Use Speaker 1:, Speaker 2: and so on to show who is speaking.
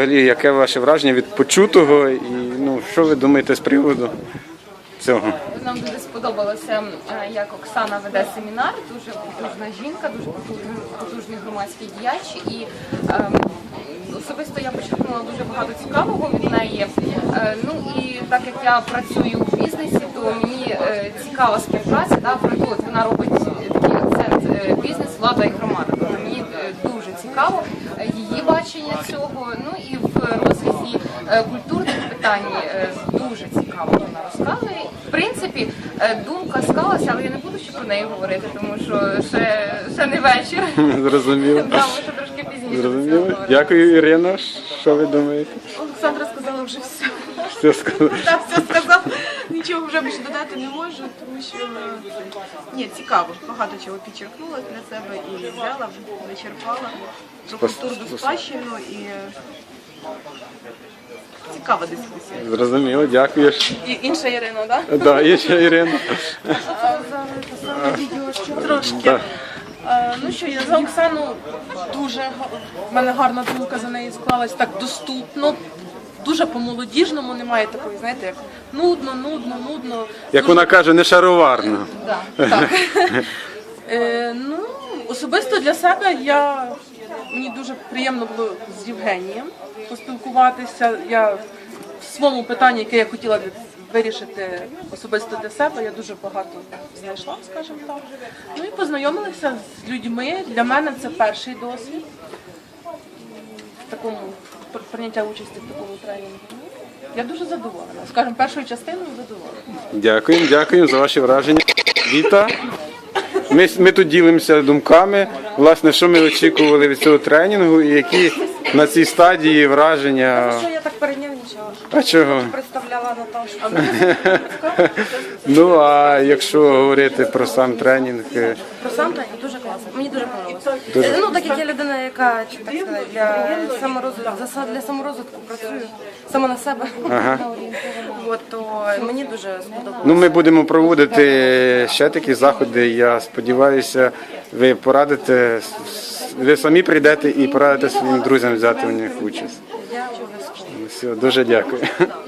Speaker 1: взагалі, яке ваше враження від почутого і що ви думаєте з приводу цього?
Speaker 2: Нам дуже сподобалося, як Оксана веде семінар, дуже потужна жінка, дуже потужний громадський діяч. І особисто я почерпнула дуже багато цікавого від неї. І так як я працюю в бізнесі, то мені цікава співпраця. Вона робить такий акцент бізнес, влада і громада. Тобто мені дуже цікаво її бачення цього. І в розрізі культурних питань дуже цікаво вона розказує. В принципі, думка склалася, але я не буду ще про неї говорити, тому що ще не вечір.
Speaker 1: Зрозуміло.
Speaker 2: Ми ще трошки пізніше.
Speaker 1: Зрозуміло. Дякую, Ірино. Що ви думаєте?
Speaker 3: Олександра сказала вже все.
Speaker 1: Все сказали.
Speaker 3: Так, все сказав. Нічого вже більше додати не можу, тому що цікаво. Багато чого підчеркнула для себе і взяла, вичерпала про культурну спадщину і цікава дискусія.
Speaker 1: Зрозуміло, дякую.
Speaker 3: І інша Ірина, так?
Speaker 1: Так, є ще Ірина.
Speaker 3: Трошки. Я за Оксану в мене гарна думка за неї склалась, так доступно, дуже по-молодіжному, немає такої, знаєте, як нудно.
Speaker 1: Як вона каже, не шароварно.
Speaker 3: Так. Особисто для себе мені дуже приємно було з Євгенієм поспілкуватися. Я в своєму питанні, яке я хотіла вирішити особисто для себе, я дуже багато знайшла, скажімо так. І познайомилася з людьми. Для мене це перший досвід в такому прийняття участі в такому тренінгу. Я дуже задоволена. Скажімо, першою частиною задоволена.
Speaker 1: Дякуємо за ваші враження. Віта. Ми тут ділимося думками, власне, що ми очікували від цього тренінгу і які на цій стадії враження.
Speaker 4: Що я так перенервничала?
Speaker 1: А чого?
Speaker 4: Представляла Наташу.
Speaker 1: А якщо говорити про сам тренінг?
Speaker 4: Про сам тренінг дуже класно. Мені дуже подобалося. Так як я людина, яка для саморозвитку працює сама на себе, то мені дуже сподобалося.
Speaker 1: Ми будемо проводити ще такі заходи. Я сподіваюся, ви порадите, ви самі прийдете і порадите своїм друзям взяти у них участь.
Speaker 4: Я обов'язково.
Speaker 1: Все, дуже дякую.